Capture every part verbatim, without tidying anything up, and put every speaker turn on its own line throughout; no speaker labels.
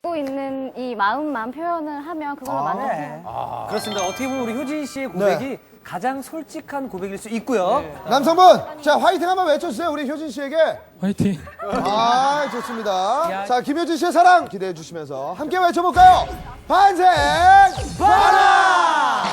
갖고 있는 이 마음만 표현을 하면 그걸로
아,
만나요.
네. 아, 그렇습니다. 어떻게 보면 우리 효진 씨의 고백이
네.
가장 솔직한 고백일 수 있고요. 네.
남성분, 자 화이팅 한번 외쳐주세요. 우리 효진 씨에게.
화이팅.
아, 좋습니다.
야.
자, 김효진 씨의 사랑 기대해 주시면서 함께 외쳐볼까요? 반생 바라!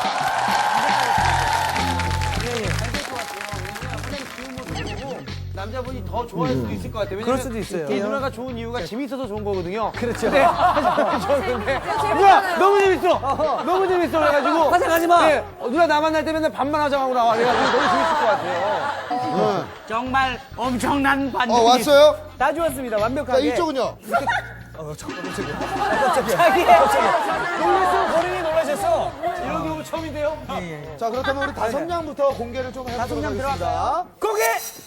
남자분이 더 좋아할 수도 있을 것 같아요. 왜냐면
그럴 수도 있어요.
이 누나가 좋은 이유가 재밌어서 좋은 거거든요.
그렇죠.
네. 근데 누나 너무 재밌어. 너무 재밌어 그래가지고
화장하지 마.
네. 어, 누나 나 만날 때 맨날 반만 화장하고 나와. 그래가지고 너무 재밌을 것 같아요.
정말 엄청난 반응이
어, 왔어요?
다 좋았습니다.
자,
완벽하게.
이쪽은요?
자기 놀랐어. 본인이 놀라셨어.
이런 경우 처음인데요.
자, 그렇다면 우리 다섯 명부터 공개를 좀 해보도록 하겠습니다.
고개.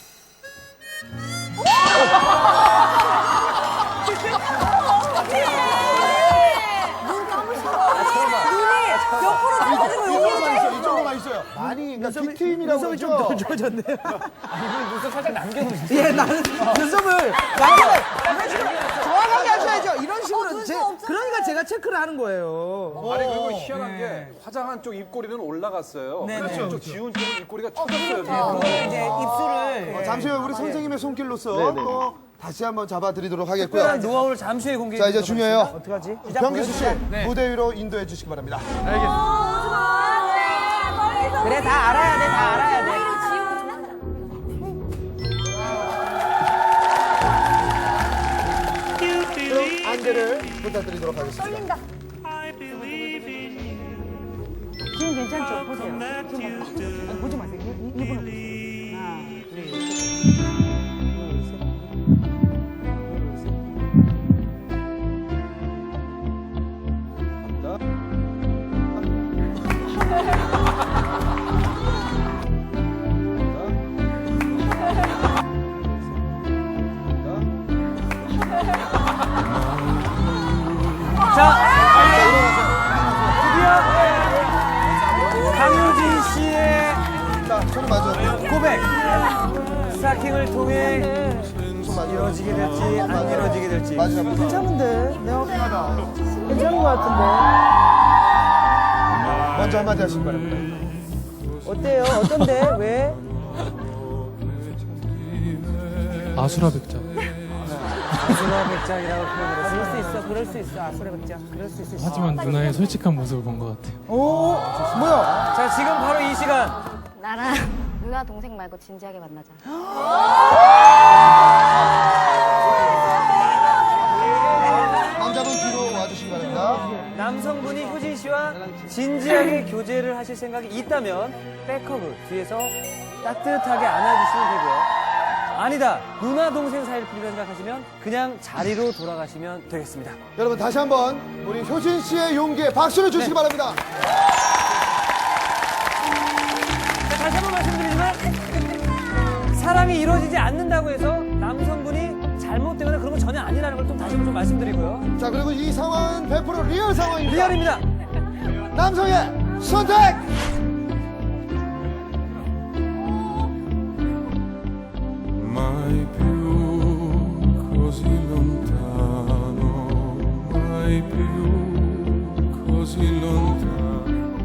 이쪽으로만 있어요. 이쪽으로만 있어요. 많이, 그러니까 뒷트임이라고
눈썹이
그러죠?
좀 더 좋아졌네요.
눈썹 살짝 남겨놓으시죠.
예, 나는 눈썹을 남겨요. 정확하게 하셔야죠. 이런 식으로 제, 그러니까 제가 체크를 하는 거예요.
아니 그리고 희한한 게 화장한 쪽 입꼬리는 올라갔어요.
네,
그래서
네.
이쪽 지운 쪽 입꼬리가 쳤어요.
그걸 이제 입술을
어, 잠시 후에 우리 선생님의 손길로서 또 다시 한번 잡아드리도록 하겠고요.
특별한 노하우를 잠시 후에 공개해
자, 이제
주도록
중요해요.
어떡하지?
변기수 씨, 무대 위로 인도해 주시기 바랍니다.
그래, 다 알아야 돼, 다 알아야 돼.
그럼 안대를 부탁드리도록 하겠습니다.
지금 괜찮죠? 보세요. 지금 아니, 보지 마세요. 이- 이분은 보세요. 하나, 둘, 셋. 둘, 셋. 둘, 셋.
자, 드디어 강효진 씨의
자, 손 맞아.
고백 스타킹을 통해 이루어지게 될지 안 이루어지게 될지.
마지막부터.
괜찮은데? 내가 괜찮은 것 같은데.
먼저 한마디 하시기 바랍니다.
어때요? 어떤데? 왜?
아수라 백작.
아수라 백작이라고 표현을
그럴
했어요.
수 있어. 그럴 수 있어. 아수라 백작. 그럴 수 있어.
하지만 누나의 솔직한 모습을 본 것 같아요.
오, 뭐야?
자, 지금 바로 이 시간
나랑 누나 동생 말고 진지하게 만나자.
남자분 뒤로 와주시기 바랍니다.
남성분이 효진 씨와 진지하게 교제를 하실 생각이 있다면 백허그 뒤에서 따뜻하게 안아주시면 되고요. 아니다, 누나 동생 사이를 필요로 생각하시면 그냥 자리로 돌아가시면 되겠습니다.
여러분 다시 한번 우리 효진 씨의 용기에 박수를 주시기 바랍니다.
자, 다시 한번 말씀드리지만 사랑이 이루어지지 않는다고 해서 남성분이 잘못되거나 그런 건 전혀 아니라는 걸 또 다시 한번 좀 말씀드리고요.
자, 그리고 이 상황은 백 퍼센트 리얼 상황입니다.
리얼입니다.
남성의 선택!
Mai più così lontano, mai più così lontano.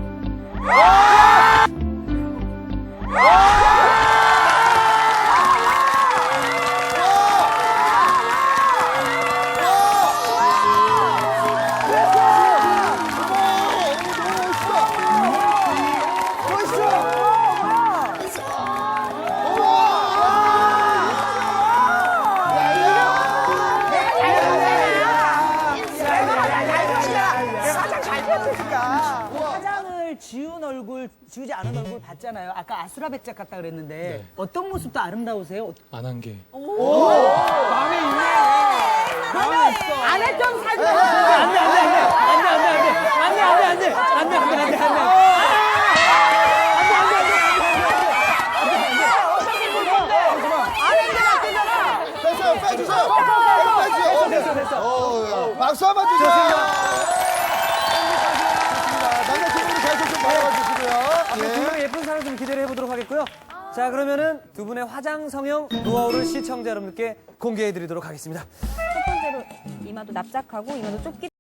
화장을 지운 얼굴, 지우지 않은 얼굴 봤잖아요. 아까 아수라 백작 같다 그랬는데 어떤 모습도 아름다우세요?
안 한 게.
안 했던 사진.
안돼 안돼 안돼 안돼 안돼 안돼 안돼 안돼 안돼 안돼 안돼 안돼
됐어요, 빼주세요. 빼주세요.
됐어 됐어.
어, 박수 한번 주세요. 남자친구분이 계속 좀 바라봐 주시고요.
두 명의 예쁜 사랑 좀 기대를 해보도록 하겠고요. 자, 그러면은 두 분의 화장 성형 노하우를 시청자 여러분께 공개해드리도록 하겠습니다.
첫 번째
상태로 이마도 납작하고 이마도 좁기